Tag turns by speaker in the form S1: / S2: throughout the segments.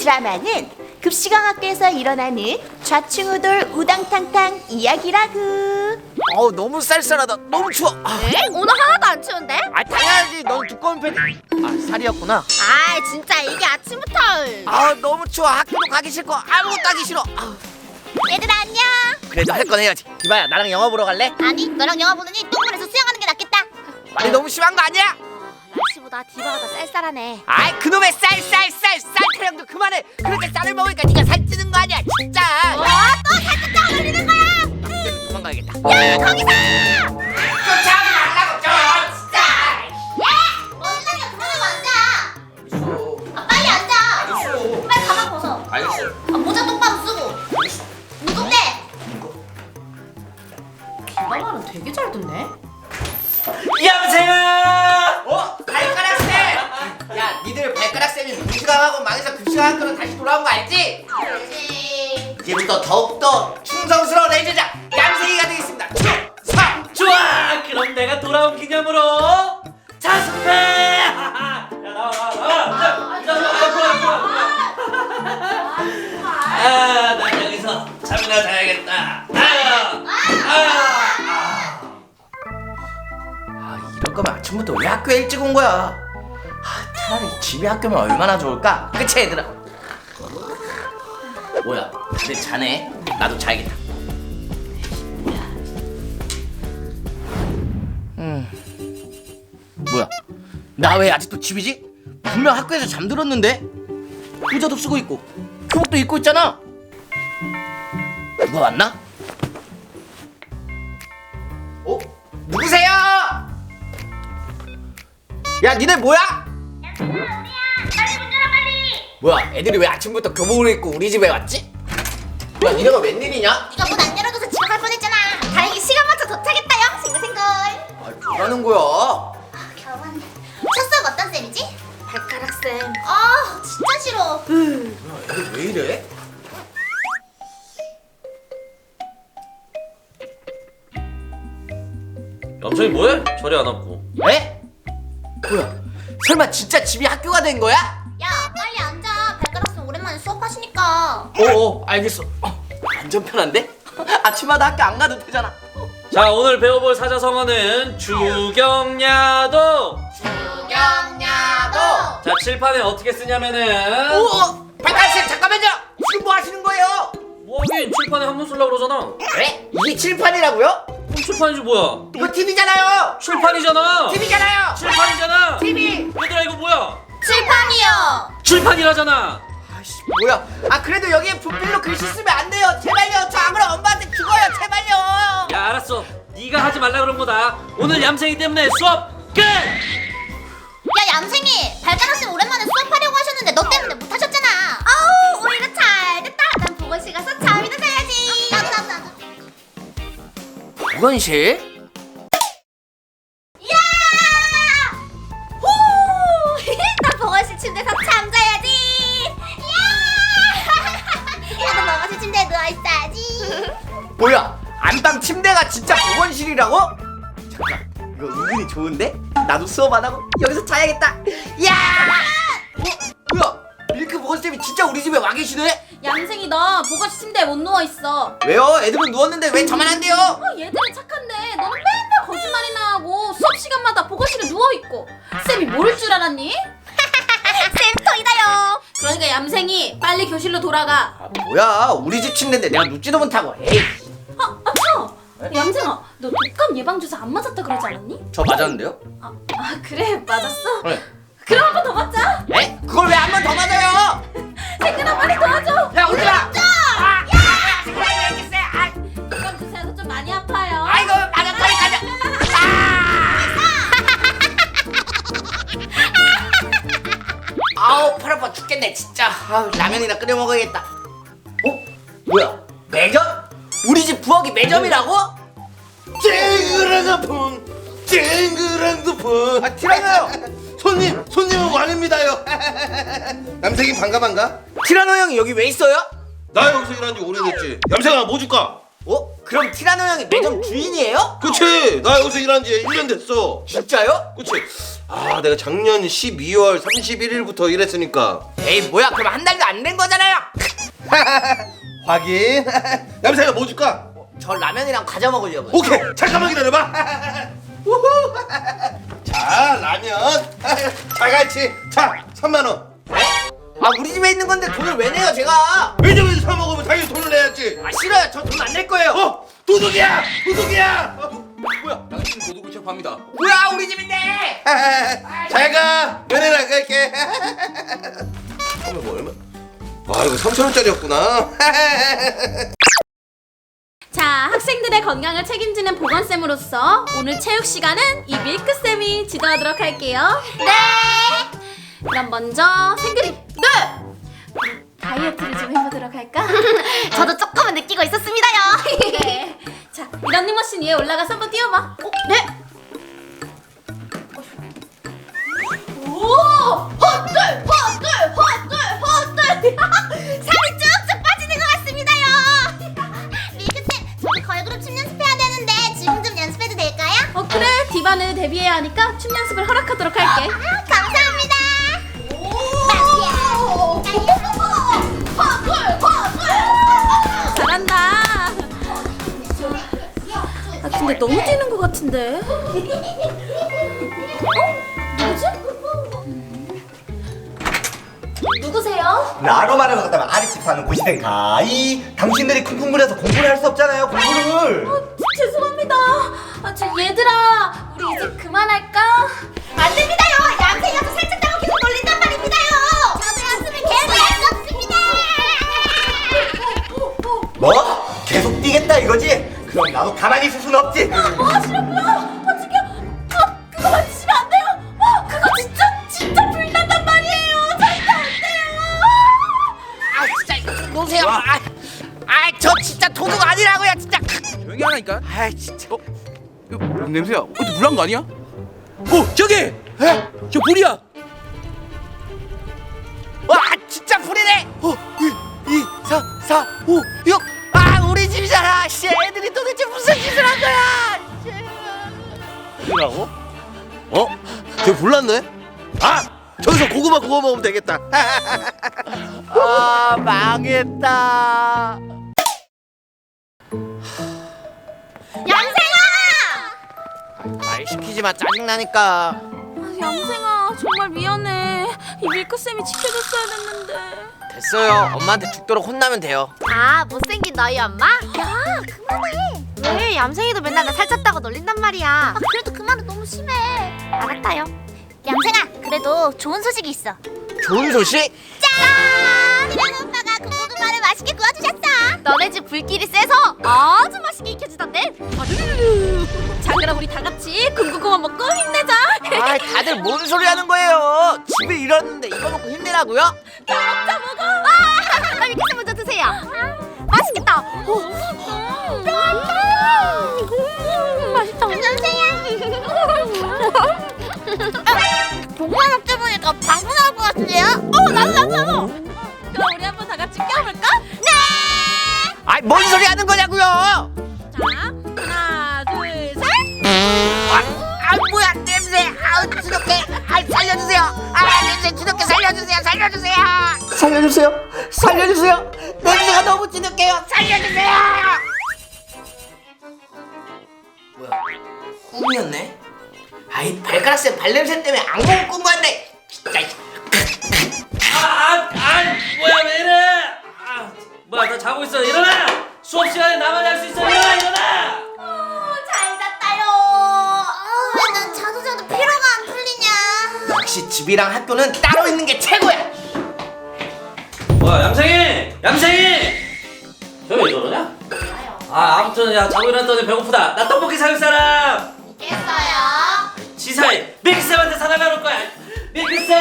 S1: 드라마는 급식왕 학교에서 일어나는 좌충우돌 우당탕탕 이야기라구.
S2: 너무 쌀쌀하다. 너무 추워.
S3: 에? 오늘 하나도 안 추운데?
S2: 당연하지. 넌 두꺼운 패딩. 살이었구나.
S3: 아 진짜 이게 아침부터.
S2: 너무 추워. 학교도 가기 싫고 아무것도 하기 싫어.
S3: 얘들아 안녕.
S2: 그래도 할 건 해야지. 디바야, 나랑 영화 보러 갈래?
S3: 아니 너랑 영화 보느니 똥물에서 수영하는 게 낫겠다.
S2: 말이 너무 심한 거 아니야?
S3: 날씨보다 디바가 더 쌀쌀하네.
S2: 아이, 그놈의 쌀 타령도 그만해. 그렇게 쌀을 먹으니까 네가 살찌는 거 아니야, 진짜.
S3: 또 살짝 올리는 거야.
S2: 도망가야겠다.
S3: 야 거기서.
S2: 쫓아오지 말라고 좀, 진짜.
S3: 뭔 소리야 그만하고 앉아. 빨리 앉아. 빨리 가방 벗어.
S2: 알겠어.
S3: 모자 똑바로 쓰고. 무겁대. 디바가는 되게 잘 듣네.
S2: 여보세요. 발가락 쌤. 야, 니들 발가락 쌤이 무시당하고 망해서 급식학교로 다시 돌아온 거 알지?
S3: 알지.
S2: 이제부터 더욱더 충성스러운 애제자 얌생이가 되겠습니다. 충성.
S4: 좋아! 그럼 내가 돌아온 기념으로 자습해! 야 나와 난 여기서 잠이나 자야겠다.
S2: 이럴 거면 아침부터 왜 학교에 일찍 온 거야? 차라리 집에 학교면 얼마나 좋을까? 그치 얘들아? 뭐야, 다들 자네? 나도 자야겠다. 뭐야, 나 왜 아직도 집이지? 분명 학교에서 잠들었는데? 의자도 쓰고 있고 교복도 입고 있잖아. 누가 왔나? 누구세요? 야, 니네 뭐야?
S3: 빨리 문 열어 빨리.
S2: 뭐야, 애들이 왜 아침부터 교복을 입고 우리 집에 왔지? 뭐야, 니네가 웬일이냐?
S3: 네가 문 안 열어줘서 지각할 뻔했잖아. 다행히 시간 맞춰 도착했다요. 싱글싱글.
S2: 뭐라는 거야?
S3: 겨우 왔네. 첫 수업 어떤 쌤이지? 발가락 쌤. 진짜 싫어.
S2: 애들 왜 이래?
S4: 얌생이 뭐해? 자리 안 앉고.
S2: 에? 뭐야, 설마 진짜 집이 학교가 된 거야?
S3: 야 빨리 앉아. 발가락 쌤 오랜만에 수업하시니까.
S2: 알겠어. 완전 편한데? 아침마다 학교 안 가도 되잖아.
S4: 자, 오늘 배워볼 사자성어는 주경야도.
S3: 주경야도.
S4: 자, 칠판에 어떻게 쓰냐면은
S2: 발가락쌤, 잠깐만요. 지금 뭐 하시는 거예요?
S4: 뭐하긴 칠판에 한번 쓰려고 그러잖아.
S2: 에? 이게 칠판이라고요?
S4: 그럼 칠판이지 뭐야?
S2: 이거 TV잖아요.
S4: 칠판이잖아.
S2: TV잖아요.
S4: 칠판이잖아.
S2: TV.
S4: 얘들아 이거 뭐야?
S3: 칠판이요.
S4: 칠판이라잖아.
S2: 아이씨, 뭐야? 그래도 여기에 분필로 글씨 쓰면 안 돼요. 제발요. 저 아무랑 엄마한테 죽어요. 제발요.
S4: 야 알았어. 네가 하지 말라 그런 거다. 오늘 얌생이 때문에 수업 끝.
S3: 야 얌생이 발가락 쌤 오랜만에 수업하려고 하셨는데 너 때문에 못 하셨잖아. 아우 오히려 잘 됐다. 난 보건실 가서 잠이나 자야지. 나도.
S2: 보건실?
S3: 야! 후! 나 보건실 침대에서 잠자야지. 야! 나도 보건실 침대에 누워 있어야지.
S2: 뭐야, 안방 침대가 진짜 보건실이라고? 잠깐, 이거 은근히 좋은데? 나도 수업 안 하고 여기서 자야겠다. 야! 뭐야, 밀크 보건쌤이 진짜 우리 집에 와 계시네?
S5: 얌생이 너 보건실 침대에 못 누워있어.
S2: 왜요? 애들은 누웠는데 왜 저만 안 돼요?
S5: 얘들은 착한데 너는 맨날 거짓말이나 하고 수업 시간마다 보건실에 누워있고. 쌤이 모를 줄 알았니?
S3: 쌤 토이다요.
S5: 그러니까 얌생이 빨리 교실로 돌아가.
S2: 뭐야, 우리 집 침대인데 내가 눕지도 못하고. 에이,
S5: 얌생아 너 독감 예방주사 안 맞았다 그러지 않았니?
S2: 저 맞았는데요?
S5: 그래 맞았어?
S2: 네.
S5: 그럼 한 번 더 맞자.
S2: 에? 그걸 왜 한 번 더 맞아요?
S5: 생근아 빨리 도와줘.
S2: 야, 오지 마!
S5: 독감 주사여서 좀 많이 아파요.
S2: 아이고, 맞았다니까요. 아우, 팔 아파 죽겠네 진짜. 라면이나 끓여 먹어야겠다. 뭐야, 매점? 우리 집 부엌이 매점이라고?
S6: 쨍그랑 풍
S2: 티라노
S6: 손님은 왕입니다요. 남생이 반가.
S2: 티라노 형이 여기 왜 있어요?
S6: 나 여기서 일한 지 오래됐지. 얌생아 뭐 줄까?
S2: 그럼 티라노 형이 매점 주인이에요?
S6: 그치, 나 여기서 일한 지 1년 됐어.
S2: 진짜요?
S6: 그치. 아 내가 작년 12월 31일부터 일했으니까.
S2: 에이 뭐야 그럼 한 달도 안 된 거잖아요.
S6: 확인. 얌생아 뭐 줄까?
S2: 저 라면이랑 과자 먹으려고요.
S6: 오케이 잠깐만 기다려봐. 우후. 자 라면 자갈치 자 3만원.
S2: 아 우리 집에 있는 건데 돈을 왜 내요 제가?
S6: 왜냐면 사 먹으면 당연히 돈을 내야지.
S2: 아 싫어요. 저 돈 안 낼 거예요.
S6: 도둑이야 도둑이야.
S2: 뭐야?
S6: 당신 도둑을 체포합니다.
S2: 뭐야 우리 집인데?
S6: 잘가 면회 나갈게. 처음에 뭐 얼마? 와 이거 3,000원짜리였구나.
S5: 자, 학생들의 건강을 책임지는 보건쌤으로서 오늘 체육 시간은 이 밀크쌤이 지도하도록 할게요.
S3: 네.
S5: 그럼 먼저 생그리. 네. 다이어트를 좀 해보도록 할까?
S3: 저도 조금은 느끼고 있었습니다요.
S5: 네. 자, 이 런닝머신 위에 올라가서 한번 뛰어봐. 네. 오!
S3: 헛들 헛들 헛들 헛들 살이 쭉쭉 빠지는 것 같습니다요. 밀크쌤 저도 걸그룹 춤 연습해야 되는데 지금 좀 연습해도 될까요?
S5: 그래. 디바는 데뷔해야 하니까 춤 연습을 허락하도록 할게.
S3: 감사합니다.
S5: 잘한다. 아, 근데 너무 뛰는 것 같은데. 누구세요?
S7: 라로마를 갔다면 아랫집 사는 고시생가 당신들이 쿵쿵거려서 공부를 할 수 없잖아요 공부를.
S5: 죄송합니다. 얘들아, 우리 이제 그만할까?
S3: 안 됩니다요. 얌생이가 저 살쪘다고 계속 놀린단 말입니다요. 저도 연습을 계속 할 수 없습니다.
S7: 뭐? 계속 뛰겠다 이거지? 그럼 나도 가만히 있을 순 없지.
S5: 싫어요. 그거 만지시면 안 돼요. 그거 진짜 불난단 말이에요. 절대 안 돼요.
S2: 아 진짜 놓으세요. 저 진짜 도둑 아니라고요 진짜.
S8: 조용히 하라니까.
S2: 아 진짜.
S8: 이거 뭔 냄새야? 어디 물난 거 아니야? 저기! 저 불이야!
S2: 와 진짜 불이네.
S8: 2, 4, 4, 5, 6!
S2: 아 우리 집이잖아. 씨 애들이 도대체 무슨 짓을 한 거야?
S6: 이라고? 저 불났네? 아! 저기서 고구마 구워 먹으면 되겠다.
S2: 아 망했다.
S3: 얌생아!
S2: 말 시키지 마 짜증나니까.
S5: 얌생아, 정말 미안해. 이 밀크쌤이 지켜줬어야 됐는데.
S2: 됐어요. 엄마한테 죽도록 혼나면 돼요.
S3: 아 못생긴 너희 엄마? 야 그만해. 왜 얌생이도 맨날 나 살쪘다고 놀린단 말이야. 그래도 그 말은 너무 심해. 알았다요. 얌생아 그래도 좋은 소식이 있어.
S2: 좋은 소식?
S3: 짠! 이랑 오빠가 군고구마를 맛있게 구워주셨어. 너네 집 불길이 세서 아주 맛있게 익혀지던데.
S5: 자, 그럼 우리 다 같이 군고구마 먹고 힘내자.
S2: 아 다들 뭔 소리 하는 거예요? 집에 이랬는데 이거 먹고 힘내라고요?
S3: 먹자 먹어. 와! 밀크스 먼저 드세요. 맛있겠다. 맛있다. 얌생이야. 고구마 먹다 보니까 방구 나올 것 같은데요? 나도.
S5: 그럼 우리 한번 다 같이 껴볼까?
S3: 네!
S2: 아이 뭔 소리 하는 거냐고요?
S5: 자, 하나, 둘, 셋.
S2: 아 뭐야 냄새. 아우 주독해. 아 살려주세요. 아 냄새 주독해 살려주세요. 살려주세요. 냄새가 너무 주독해요. 살려주세요. 뭐야 꿈이었네? 아이 발가락쌤 발냄새 때문에 악몽 꾼 건데 진짜.
S4: 뭐야 왜 이래? 뭐야 나 자고 있어. 일어나! 수업 시간에 나만 할 수 있어. 일어나!
S3: 잘 잤다요. 왜 난 자도 피로가 안 풀리냐?
S2: 역시 집이랑 학교는 따로 있는 게 최고야.
S4: 뭐야 얌생이! 왜 저러냐? 아무튼 야 자고 일어났더니 배고프다. 나 떡볶이 사줄 사람!
S3: 깼어요.
S4: 지사이 밀크쌤한테 사달라 그럴 거야. 밀크쌤!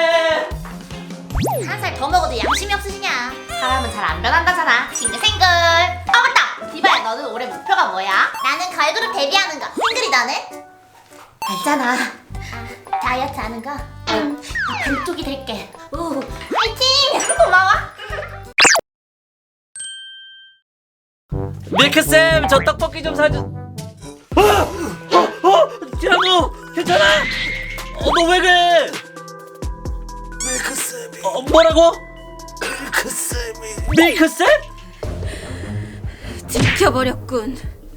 S3: 한 살 더 먹어도 양심이 없으시냐? 사람은 잘 안 변한다잖아. 싱글싱글. 맞다. 디바야, 너는 올해 목표가 뭐야? 나는 걸그룹 데뷔하는 거. 싱글이 너는? 알잖아. 다이어트 하는 거. 나 반쪽이 될게. 오, 파이팅! 고마워.
S4: 밀크쌤 저 떡볶이 좀 사주. 티라노 괜찮아? 너 왜 그래?
S6: 밀크쌤이
S4: 뭐라고?
S6: 밀크쌤이
S4: 밀크쌤?
S5: 들켜버렸군.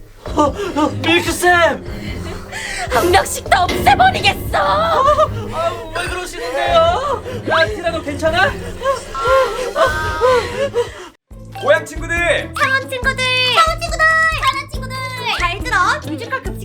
S4: 밀크쌤!
S5: 한 명씩 다 없애버리겠어.
S4: 왜 그러시는데요? 티라노 괜찮아?
S2: 고양 친구들
S3: 상원 친구들, 상원 친구들, 사는 친구들 잘 들어. 뮤지컬 급